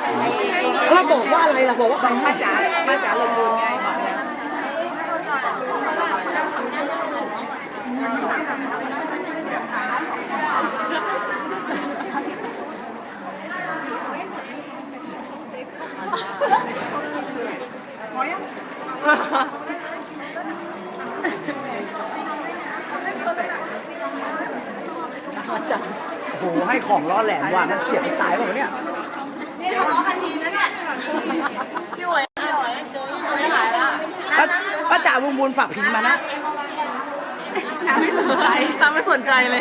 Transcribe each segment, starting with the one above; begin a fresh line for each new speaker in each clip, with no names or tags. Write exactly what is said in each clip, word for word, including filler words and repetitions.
เราบอกว่าอะไรล่ะบอกว่าใครให้จ๋ามาจ๋าลงมือไงจังโอ้โหให้ของล้อแหลมว่ะมันเสียบตายแบบเนี้ย
นี่ทะเลาะกันทีนะเนี่ยพี่หวยพี่หวยเจอไม่หายแล้ว
ป้าจ๋าบุญบุญฝากพิมพ์มานะน้ำไม่สนใจ
น้ำไม่สนใจเลย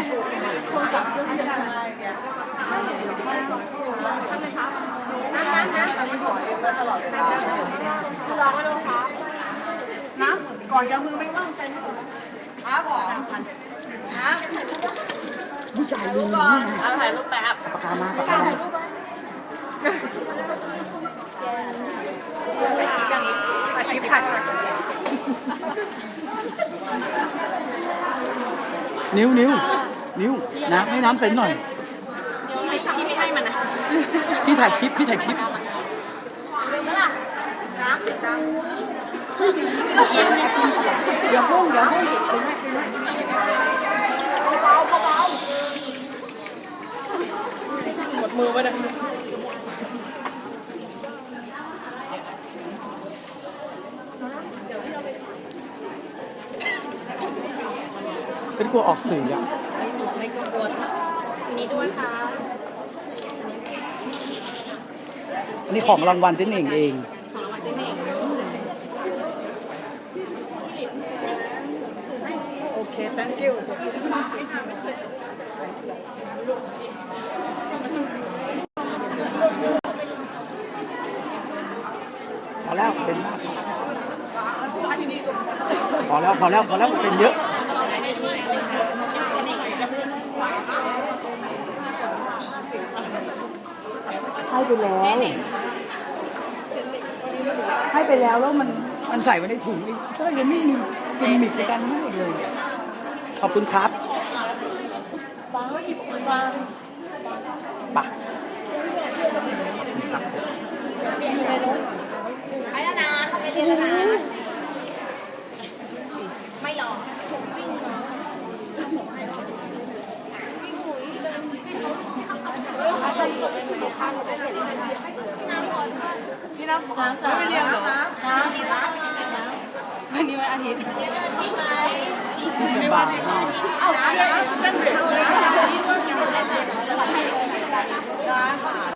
น้ำน้ำน้ำตลอดเวลาลองมาดูครับน้ำก่อนจะมือไม่ว่างเป็นครับผมน้ำ
ผู้ชายดู
ก่อนเอาถ่ายรูปแป๊บ
ปากกามาปากกามา
ไปคลิปอย่างนี้ไปคลิปถ่าย
นิ้วนิ้วนิ้วนะให้น้ำเซ็นหน่อย
พี่ไม่ให้มันนะ
พี่ถ่ายคลิปพี่ถ่ายคลิป
น้ำเสียจัง
เดี๋ยวพุ่งเดี๋ยวพุ่ง
หมดมือไปเลย
เป็นกลัวออกสื่ออ่ะ
ไม่กังวลทีนี้ด้วยค่ะ
อันนี้ของรางวัลเจ๊เน่งเอง
ของรางวัลเจ๊เน่ง
โอเค thank you พอแล้วเซ็นมากพอแล้วพอแล้วพอแล้วเซ็นเยอะให้ไปแล้วให้ไปแล้วแล้วมันมันใส่ไว้ในถุงอีกก็ยังไม่มีกิมมิคในการให้เลยขอบคุณครับป่ะ
ไปแล้วนะเขาไปเรียนแล้วนะไม่หรอกพี่น้ำขอไม่เรียนหรอวันนี้วันอาทิตย์วันนี้วันอาทิตย์ไหม
ที่เชียงบาน
เอาเส้นเด็กเลย